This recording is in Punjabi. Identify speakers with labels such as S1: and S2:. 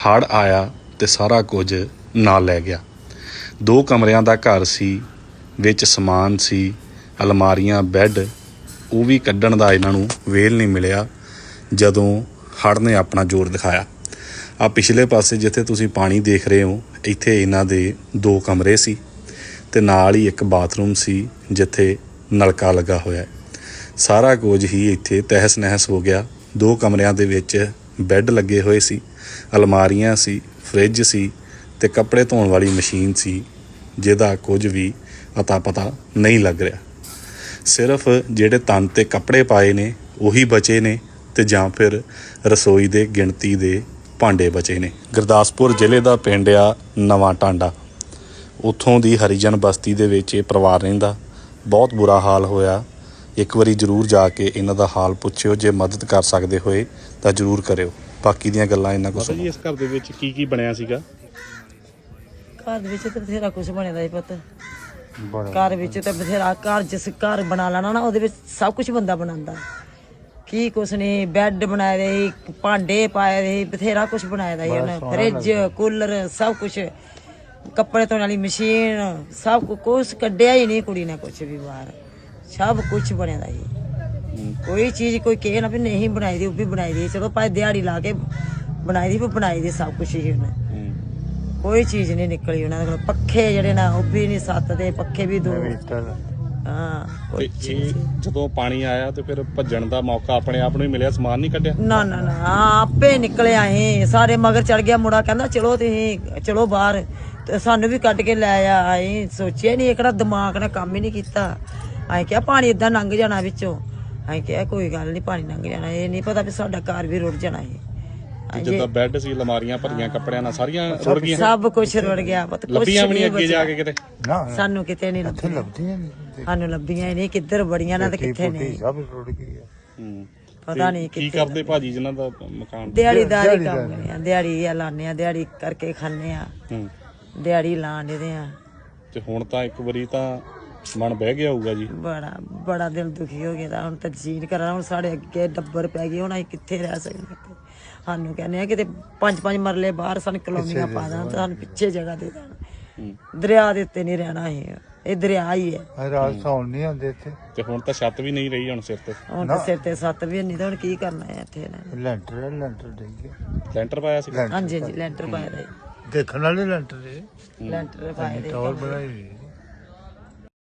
S1: ਹੜ੍ਹ ਆਇਆ ਤੇ ਸਾਰਾ ਕੁਝ ਨਾਲ ਲੈ ਗਿਆ। 2 ਕਮਰਿਆਂ ਦਾ ਘਰ ਸੀ, ਵਿੱਚ ਸਮਾਨ ਸੀ, ਅਲਮਾਰੀਆਂ, ਬੈੱਡ, ਉਹ ਵੀ ਕੱਢਣ ਦਾ ਇਹਨਾਂ ਨੂੰ ਵੇਲ ਨਹੀਂ ਮਿਲਿਆ ਜਦੋਂ ਹੜ੍ਹ ਨੇ ਆਪਣਾ ਜ਼ੋਰ ਦਿਖਾਇਆ। ਆ ਪਿਛਲੇ ਪਾਸੇ ਜਿੱਥੇ ਤੁਸੀਂ ਪਾਣੀ ਦੇਖ ਰਹੇ ਹੋ, ਇੱਥੇ ਇਹਨਾਂ ਦੇ 2 ਕਮਰੇ ਸੀ ਤੇ ਨਾਲ ਹੀ ਇੱਕ ਬਾਥਰੂਮ ਸੀ ਜਿੱਥੇ ਨਲਕਾ ਲੱਗਾ ਹੋਇਆ। ਸਾਰਾ ਕੁਝ ਹੀ ਇੱਥੇ ਤਹਿਸ ਨਹਿਸ ਹੋ ਗਿਆ। 2 ਕਮਰਿਆਂ ਦੇ ਵਿੱਚ ਬੈੱਡ ਲੱਗੇ ਹੋਏ ਸੀ, ਅਲਮਾਰੀਆਂ ਸੀ, ਫਰਿੱਜ ਸੀ ਤੇ ਕੱਪੜੇ ਧੋਣ ਵਾਲੀ ਮਸ਼ੀਨ ਸੀ ਜਿਹਦਾ ਕੁਝ ਵੀ ਅਤਾ ਪਤਾ ਨਹੀਂ ਲੱਗ ਰਿਹਾ। ਸਿਰਫ ਜਿਹੜੇ ਤਨ 'ਤੇ ਕੱਪੜੇ ਪਾਏ ਨੇ ਉਹੀ ਬਚੇ ਨੇ ਤੇ ਜਾਂ ਫਿਰ ਰਸੋਈ ਦੇ ਗਿਣਤੀ ਦੇ ਭਾਂਡੇ ਬਚੇ ਨੇ। ਗੁਰਦਾਸਪੁਰ ਜ਼ਿਲ੍ਹੇ ਦਾ ਪਿੰਡ ਆ ਨਵਾਂ ਟਾਂਡਾ। ਉੱਥੋਂ ਦੀ ਹਰੀਜਨ ਬਸਤੀ ਦੇ ਵਿੱਚ ਇਹ ਪਰਿਵਾਰ ਰਹਿੰਦਾ। ਬਹੁਤ ਬੁਰਾ ਹਾਲ ਹੋਇਆ। ਇੱਕ ਵਾਰੀ ਜ਼ਰੂਰ ਜਾ ਕੇ ਇਹਨਾਂ ਦਾ ਹਾਲ ਪੁੱਛਿਓ, ਜੇ ਮਦਦ ਕਰ ਸਕਦੇ ਹੋਏ ਤਾਂ ਜ਼ਰੂਰ ਕਰਿਓ। ਬਾਕੀ ਦੀਆਂ ਗੱਲਾਂ ਇਹਨਾਂ ਕੋਲ ਸੁਣੋ।
S2: ਇਸ ਘਰ ਦੇ ਵਿੱਚ ਕੀ ਕੀ ਬਣਿਆ ਸੀਗਾ?
S3: ਘਰ ਦੇ ਵਿੱਚ ਤਾਂ ਬਥੇਰਾ ਕੁਛ ਬਣਿਆ ਦਾ ਹੀ ਪੁੱਤ। ਘਰ ਵਿੱਚ ਤਾਂ ਬਥੇਰਾ, ਘਰ ਜਿਸ ਘਰ ਬਣਾ ਲੈਣਾ ਨਾ ਉਹਦੇ ਵਿੱਚ ਸਭ ਕੁਛ ਬੰਦਾ ਬਣਾਉਂਦਾ। ਕੀ ਕੁਛ ਨਹੀਂ, ਬੈੱਡ ਬਣਾਏ ਦੇ, ਭਾਂਡੇ ਪਾਏ ਦੇ, ਬਥੇਰਾ ਕੁਛ ਬਣਾਇਆ ਦਾ ਉਹਨੇ, ਫਰਿੱਜ, ਕੂਲਰ, ਸਭ ਕੁਛ, ਕੱਪੜੇ ਧੋਣ ਵਾਲੀ ਮਸ਼ੀਨ, ਸਭ ਕੁਛ ਕੱਢਿਆ ਹੀ ਨਹੀਂ ਕੁੜੀ ਨੇ ਕੁਛ ਵੀ ਬਾਹਰ। ਸਭ ਕੁਛ ਬਣਿਆ ਦਾ ਹੀ। ਕੋਈ ਚੀਜ਼ ਕੋਈ ਕਹੇ ਨਾ ਵੀ ਨਹੀਂ ਬਣਾਈ ਦੀ, ਉਹ ਵੀ ਬਣਾਈ ਦੀ। ਚਲੋ ਭਾਵੇਂ ਦਿਹਾੜੀ ਲਾ ਕੇ ਬਣਾਈ ਦੀ, ਵੀ ਬਣਾਈ ਦੀ ਸਭ ਕੁਛ ਹੀ ਉਹਨੇ। ਕੋਈ ਚੀਜ਼ ਨਹੀਂ ਨਿਕਲੀ ਉਹਨਾਂ ਦੇ ਕੋਲ। ਪੱਖੇ ਜਿਹੜੇ ਨਾ ਉਹ ਵੀ ਨਹੀਂ, 7 ਦੇ ਪੱਖੇ ਵੀ 2। ਹਾਂ,
S2: ਤੇ ਇਹ ਜਦੋਂ ਪਾਣੀ ਆਇਆ ਤੇ ਫਿਰ ਭੱਜਣ ਦਾ ਮੌਕਾ ਆਪਣੇ ਆਪ ਨੂੰ ਹੀ ਮਿਲਿਆ, ਸਮਾਨ ਨਹੀਂ ਕੱਢਿਆ?
S3: ਨਾ ਨਾ ਨਾ, ਆਪੇ ਨਿਕਲੇ ਆਏ ਸਾਰੇ। ਮਗਰ ਚੜ ਗਿਆ ਮੁੰਡਾ, ਕਹਿੰਦਾ ਚਲੋ ਤੁਸੀਂ ਚਲੋ ਬਾਹਰ, ਤੇ ਸਾਨੂੰ ਵੀ ਕੱਢ ਕੇ ਲੈ ਆਏ। ਸੋਚਿਆ ਨਹੀਂ, ਕਿਹੜਾ ਦਿਮਾਗ ਨੇ ਕੰਮ ਹੀ ਨਹੀਂ ਕੀਤਾ। ਅਸੀਂ ਕਿਹਾ ਪਾਣੀ ਏਦਾਂ ਲੰਘ ਜਾਣਾ ਵਿੱਚੋਂ। ਅਸੀਂ ਕਿਹਾ ਕੋਈ ਗੱਲ ਨਹੀਂ, ਪਾਣੀ ਲੰਘ ਜਾਣਾ। ਇਹ ਨਹੀਂ ਪਤਾ ਵੀ ਸਾਡਾ ਘਰ ਵੀ ਰੁੜ ਜਾਣਾ ਹੈ।
S2: ਜਿੱਦਾਂ ਬੈੱਡ ਸੀ, ਅਲਮਾਰੀਆਂ ਭਰੀਆਂ ਕੱਪੜਿਆਂ ਨਾਲ, ਸਾਰੀਆਂ ਰੁੜ ਗਈਆਂ।
S3: ਸਭ ਕੁਝ ਰੁੜ ਗਿਆ। ਪਤਾ ਕੁਝ
S2: ਲੱਭੀਆਂ ਵੀ ਨਹੀਂ ਅੱਗੇ ਜਾ ਕੇ ਕਿਤੇ?
S3: ਸਾਨੂੰ ਕਿਤੇ ਨਹੀਂ ਲੱਭੀਆਂ। ਸਾਨੂੰ ਲੱਭੀਆਂ ਹੀ ਨਹੀਂ, ਕਿੱਧਰ ਬੜੀਆਂ ਨਾ ਤੇ ਕਿੱਥੇ ਨਹੀਂ। ਪਤਾ ਨਹੀਂ
S2: ਕੀ ਕਰਦੇ ਭਾਜੀ ਜਿਨ੍ਹਾਂ ਦਾ ਮਕਾਨ?
S3: ਦਿਹਾੜੀਦਾਰੀ ਕੰਮ ਕਰਦੇ ਆ, ਦਿਹਾੜੀ ਆ ਲਾਉਂਦੇ ਆ, ਦਿਹਾੜੀ ਕਰਕੇ ਖਾਂਦੇ ਆ, ਦਿਹਾੜੀ ਲਾਣ ਦੇ ਆ।
S2: ਤੇ ਹੁਣ ਤਾਂ ਇੱਕ ਵਾਰੀ ਤਾਂ ਮਨ ਬਹਿ ਗਿਆ ਹੋਊਗਾ ਜੀ।
S3: ਬੜਾ ਦਿਲ ਦੁਖੀ ਹੋ ਗਿਆ। ਹੁਣ ਤਾਂ ਜੀਣ ਕਰਾਂ, ਹੁਣ ਸਾਡੇ ਅੱਗੇ ਡੱਬਰ ਪੈ ਗਏ, ਹੁਣ ਅਸੀਂ ਕਿੱਥੇ ਰਹਿ ਸਕਦੇ। ਸਾਨੂੰ ਕਹਿੰਦੇ ਆ ਕਿਤੇ 5-5 ਮਰਲੇ ਬਾਹਰ ਸਾਨੂੰ ਕਲੋਨੀਆਂ ਪਾ ਦੇਣ, ਸਾਨੂੰ ਪਿੱਛੇ ਜਗ੍ਹਾ ਦੇ ਦੇਣ। ਦਰਿਆ ਦੇ ਉੱਤੇ ਨਹੀਂ ਰਹਿਣਾ ਇਹ ਦਰਿਆ ਹੀ ਹੈ।
S4: ਰਾਤ ਸੌਣ ਨਹੀਂ ਆਉਂਦੇ ਇੱਥੇ।
S2: ਤੇ ਹੁਣ ਤਾਂ ਛੱਤ ਵੀ ਨਹੀਂ ਰਹੀ ਹੁਣ ਸਿਰ ਤੇ।
S3: ਹੁਣ ਤਾਂ ਸਿਰ ਤੇ 7 ਵੀ ਨਹੀਂ, ਤਾਂ ਹੁਣ ਕੀ ਕਰਨਾ ਹੈ ਇੱਥੇ।
S4: ਲੈਂਟਰ ਡਿੱਗ ਗਿਆ।
S2: ਲੈਂਟਰ ਪਾਇਆ ਸੀ?
S3: ਹਾਂਜੀ ਹਾਂਜੀ, ਲੈਂਟਰ ਪਾਇਆ ਦਾ।
S4: ਦੇਖਣ ਵਾਲੇ ਲੈਂਟਰ
S3: ਲੈਂਟਰ ਪਾਇਆ
S4: ਟਾਵਰ ਬਣਾਈ।